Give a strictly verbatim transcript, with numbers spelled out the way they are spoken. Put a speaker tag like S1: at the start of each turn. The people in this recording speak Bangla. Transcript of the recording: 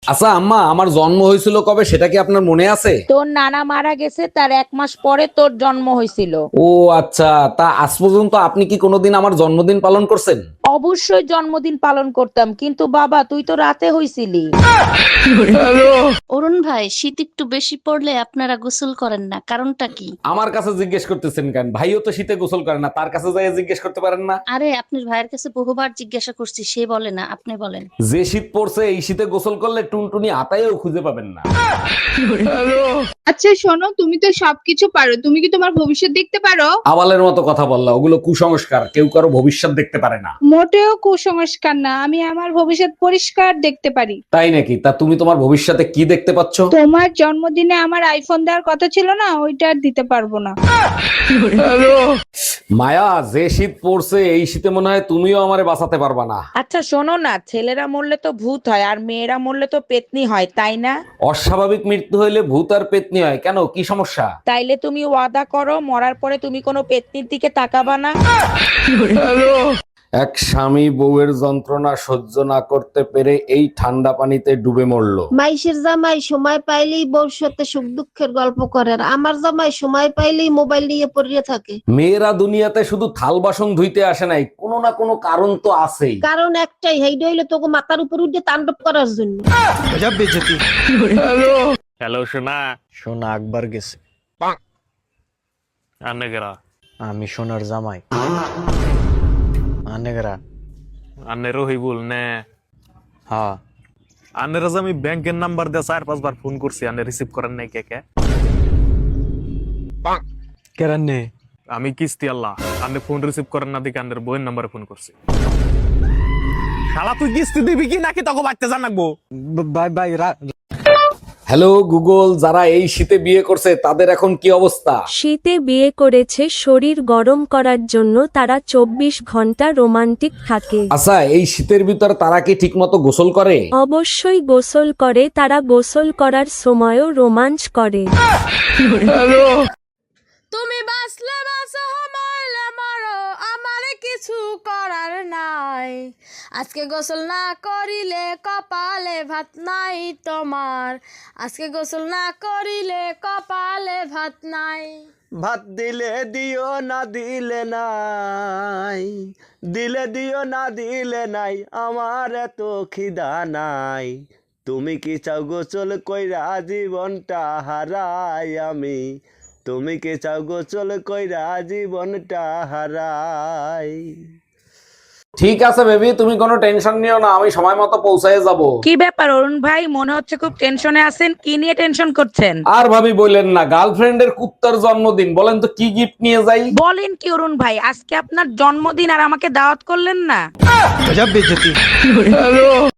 S1: আচ্ছা আম্মা, আমার জন্ম হয়েছিল কবে সেটা কি আপনার মনে আছে?
S2: তোর নানা মারা গেছে তার এক মাস পরে তোর জন্ম হয়েছিল।
S1: ও আচ্ছা, তা আজ পর্যন্ত আপনি কি কোনোদিন আমার জন্মদিন পালন করছেন?
S2: অবশ্যই জন্মদিন পালন করতাম, কিন্তু বাবা তুই তো রাতে হইছিলি।
S3: অরুণ ভাই, শীত একটু বেশি পড়লে আপনারা গোসল করেন না, কারণটা কি?
S1: আমার কাছে জিজ্ঞেস করতেছেন কেন? ভাইও তো শীতে গোসল করে না, তার কাছে যাই জিজ্ঞেস করতে পারেন না?
S3: আরে আপনার ভাইয়ের কাছে বহুবার জিজ্ঞাসা করছি, সে বলে না, আপনি বলেন।
S1: যে শীত পড়ছে এই শীতে গোসল করলে টুনটুনি আতায়ও খুঁজে পাবেন না।
S4: আচ্ছা শোনো, তুমি তো সবকিছু পারো, তুমি কি তোমার ভবিষ্যৎ দেখতে পারো?
S1: আবালের মতো কথা বললা, ওগুলো কুসংস্কার, কেউ কারো ভবিষ্যৎ দেখতে পারে না।
S4: মোটেও কুসংস্কার না, আমি আমার ভবিষ্যৎ পরিষ্কার দেখতে পারি।
S1: তাই নাকি? তা তুমি তোমার ভবিষ্যতে কি দেখতে পাচ্ছ?
S4: তোমার জন্মদিনে আমার আইফোন দেওয়ার কথা ছিল না, ওইটা আর দিতে পারবো না।
S1: মায়া, যে শীত পড়ছে এই শীতে মনে হয় তুমিও আমারে বাঁচাতে পারবা না।
S2: আচ্ছা শোনো না, ছেলেরা মরলে তো ভূত হয় আর মেয়েরা মরলে তো পেতনি হয়, তাই না?
S1: অস্বাভাবিক মৃত্যু হইলে ভূত আর পেতনি হয় কেন, কি সমস্যা?
S2: তাইলে তুমি ওয়াদা করো মরার পরে তুমি কোনো পেতনির দিকে তাকাবা না।
S1: এক স্বামী বউয়ের যন্ত্রণা সহ্য না করতে পেরে এই ঠান্ডা পানিতে ডুবে মরলো।
S5: মাইশের জামাই সময় পাইলেই বউর সাথে সুখ দুঃখের গল্প করে, আর আমার জামাই সময় পাইলেই মোবাইল নিয়ে পড়িয়ে থাকে।
S1: মেয়েরা দুনিয়াতে শুধু থাল বাসন ধুইতে আসে নাই, কোনো না কোনো কারণ তো আছেই।
S5: কারণ একটাই, হেইডা হইলে তোকে মাথার উপর উঠে তাণ্ডব করার জন্য।
S6: হ্যালো সোনা।
S7: সোনা আকবর গেছে।
S6: আন্নেগেরা
S7: আমি সোনার জামাই। আনেগরা।
S6: আন্নেরও হইবুল নে।
S7: হ্যাঁ,
S6: আন্নের যে আমি ব্যাংকের নাম্বার দিয়ে চার পাঁচবার ফোন করছি, আন্নে রিসিভ করেন নাই কে কে?
S7: কেরান নে?
S6: আমি কিস্তি আল্লাহ, আন্নে ফোন রিসিভ করেন না দিকে আন্নের বইয়ের নাম্বারে ফোন করছি। শালা তুই কিস্তি দিবি কি নাকি তোকে বাড়তে জানাবো?
S7: Bye bye.
S1: হ্যালো গুগল, যারা এই শীতে বিয়ে করছে তাদের এখন কি অবস্থা?
S8: শীতে বিয়ে করেছে শরীর গরম করার জন্য, তারা চব্বিশ ঘন্টা রোমান্টিক থাকে।
S1: আচ্ছা, এই শীতের ভিতর তারা কি ঠিক মতো গোসল করে?
S8: অবশ্যই গোসল করে, তারা গোসল করার সময়ও রোমাঞ্চ করে।
S9: তুমি বাঁচলে বাঁচো, মরলে মরো, আমার কিছু করার নাই। আজকে গোসল না করিলে কপালে ভাত নাই তোমার। আজকে গোসল না করিলে কপালে ভাত নাই।
S10: ভাত দিলে দিও না দিলে নাই, দিলে দিও না দিলে নাই, আমার এত খিদা নাই। তুমি কি চাও গোসল কইরা জীবনটা হারাই আমি? তুমি কি চাও গোসল কইরা জীবনটা হারাই?
S1: ঠিক আছে বেবি, তুমি কোনো টেনশন নিও না, আমি সময় মতো পৌঁছায় যাব।
S2: কি ব্যাপার অরুণ ভাই, মনে হচ্ছে খুব টেনশনে আছেন, কি নিয়ে টেনশন করছেন?
S1: আর ভাবি বললেন না, গার্লফ্রেন্ডের কুত্তার জন্মদিন, বলেন তো কি গিফট নিয়ে যাই?
S2: বলেন কি অরুণ ভাই, আজকে আপনার জন্মদিন আর আমাকে দাওয়াত করলেন না?